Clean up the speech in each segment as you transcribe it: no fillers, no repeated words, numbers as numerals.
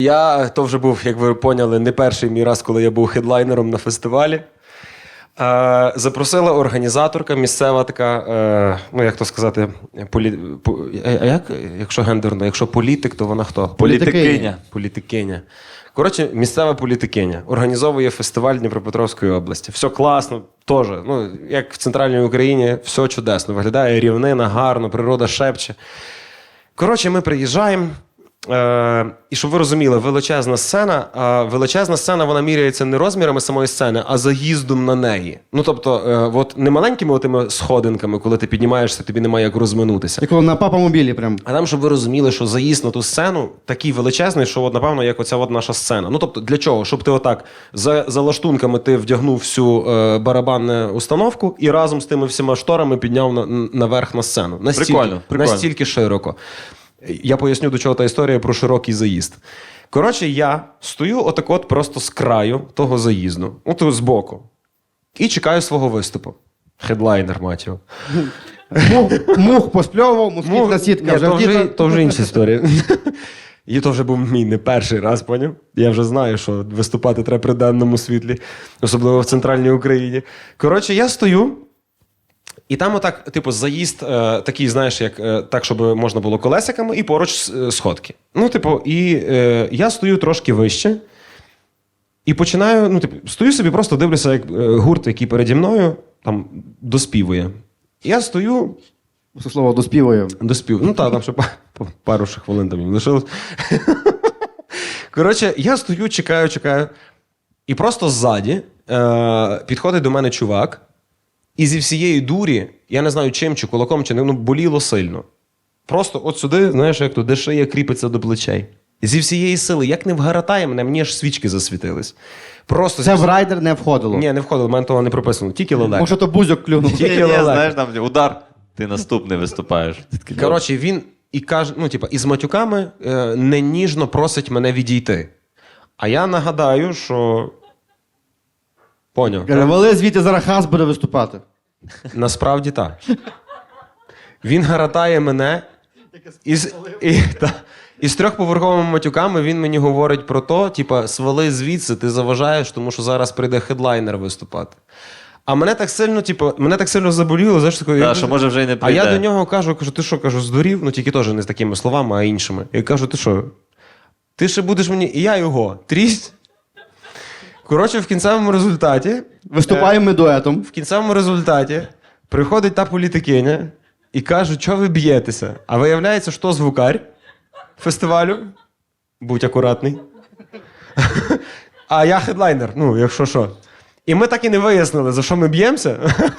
То вже був, як ви поняли, не перший мій раз, коли я був хедлайнером на фестивалі. Запросила організаторка, місцева така, ну як то сказати, якщо гендерно, якщо політик, то вона хто? Політикиня. Політикиня. Коротше, місцева політикиня. Організовує фестиваль Дніпропетровської області. Все класно, теж. Ну, як в Центральній Україні, все чудесно. Виглядає рівнина, гарно, природа шепче. Коротше, ми приїжджаємо. І щоб ви розуміли, величезна сцена, вона міряється не розмірами самої сцени, а заїздом на неї. Ну, тобто, от не маленькими отими сходинками, коли ти піднімаєшся, тобі немає як розминутися. Як на папа-мобілі прям. А там, щоб ви розуміли, що заїзд на ту сцену такий величезний, що, от, напевно, як оця от наша сцена. Ну, тобто, для чого? Щоб ти отак за лаштунками ти вдягнув всю барабанну установку і разом з тими всіма шторами підняв наверх на сцену. Прикольно. Настільки широко. Я поясню, до чого та історія про широкий заїзд. Коротше, я стою отак от просто з краю того заїзду, от збоку, і чекаю свого виступу. Хедлайнер, мать його. Мух поспльовував, москітна сітка вже то вже інша історія. І то вже був мій не перший раз, поняв? Я вже знаю, що виступати треба при денному світлі, особливо в Центральній Україні. Коротше, я стою, і там отак, типу, заїзд такий, знаєш, як так, щоб можна було колесиками, і поруч сходки. Ну, типу, і я стою трошки вище, і починаю, ну, типу, стою собі, просто дивлюся, як гурт, який переді мною, там, доспівує. Я стою... Це слово доспівує. Ну, так, там ще пару ще хвилин там їм лишилось. Коротше, я стою, чекаю, і просто ззаді підходить до мене чувак, і зі всієї дурі, я не знаю чим, чи кулаком, чи не, ну, боліло сильно. Просто от сюди, знаєш, як то, де шия кріпиться до плечей. Зі всієї сили, як не вгаратає мене, мені аж свічки засвітились. Просто Це в райдер не входило? Ні, не входило, в мене того не прописано, тільки лелек. Може, то бузьок клюнув. Тільки лелек. Знаєш, там удар, ти наступний виступаєш. Коротше, він і каже, ну, типа, із матюками неніжно просить мене відійти. А я нагадаю, що... Поняв. Каже, вали звідти, зараз Хас буде виступати. Насправді так. Він гаратає мене, і з трьохповерховими матюками він мені говорить про то, типа, свали звідси, ти заважаєш, тому що зараз прийде хедлайнер виступати. А мене так сильно заболіло, знаєш, такою, Так, що може вже й не а прийде. я до нього кажу, ти що, здурів? Ну, тільки теж не з такими словами, а іншими. Я кажу, ти що, ти ще будеш мені, і я його, трість. Коротше, в кінцевому результаті... Виступаємо ми дуетом. В кінцевому результаті приходить та політикиня і каже, що ви б'єтеся? А виявляється, що звукар фестивалю. Будь акуратний. А я хедлайнер, ну, якщо що. І ми так і не вияснили, за що ми б'ємося.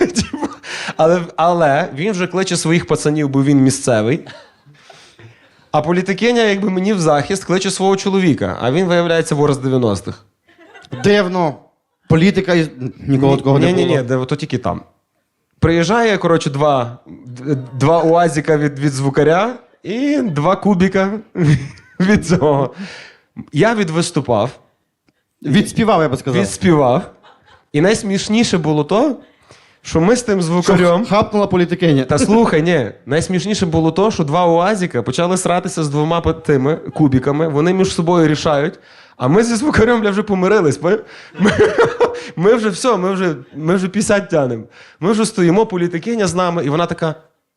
Але він вже кличе своїх пацанів, бо він місцевий. А політикиня, якби мені в захист, кличе свого чоловіка. А він, виявляється, вор з 90-х. Дивно. Політика, нікого такого не було. Ні, то тільки там. Приїжджає, коротше, два уазіка від звукаря і 2 кубіка від цього. Я відвиступав. Відспівав, я би сказав. Відспівав. І найсмішніше було то, що ми з тим звукарем... Хапнула політикиня. Та слухай, ні. Найсмішніше було то, що 2 уазіка почали сратися з 2 тими кубіками, вони між собою рішають, а ми зі звукарем, бля, вже помирились. Ми вже все, ми вже 50 тянемо. Ми вже стоїмо, політикиня з нами, і вона така...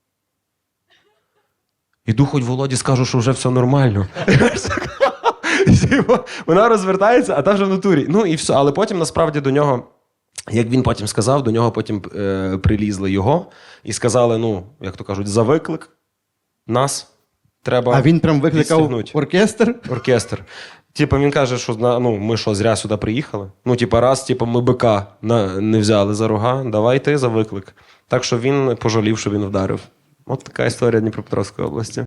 Іду хоч Володі скажу, що вже все нормально. Вона розвертається, а та вже в натурі. Ну і все. Але потім, насправді, до нього, як він потім сказав, до нього потім прилізли його і сказали, ну, як то кажуть, за виклик нас треба. А він прям викликав відстігнути. оркестр? Типа він каже, що ну, ми що, зря сюди приїхали? Ну, типа, раз ми бика не взяли за рога, давай ти за виклик. Так що він пожалів, що він вдарив. От така історія Дніпропетровської області.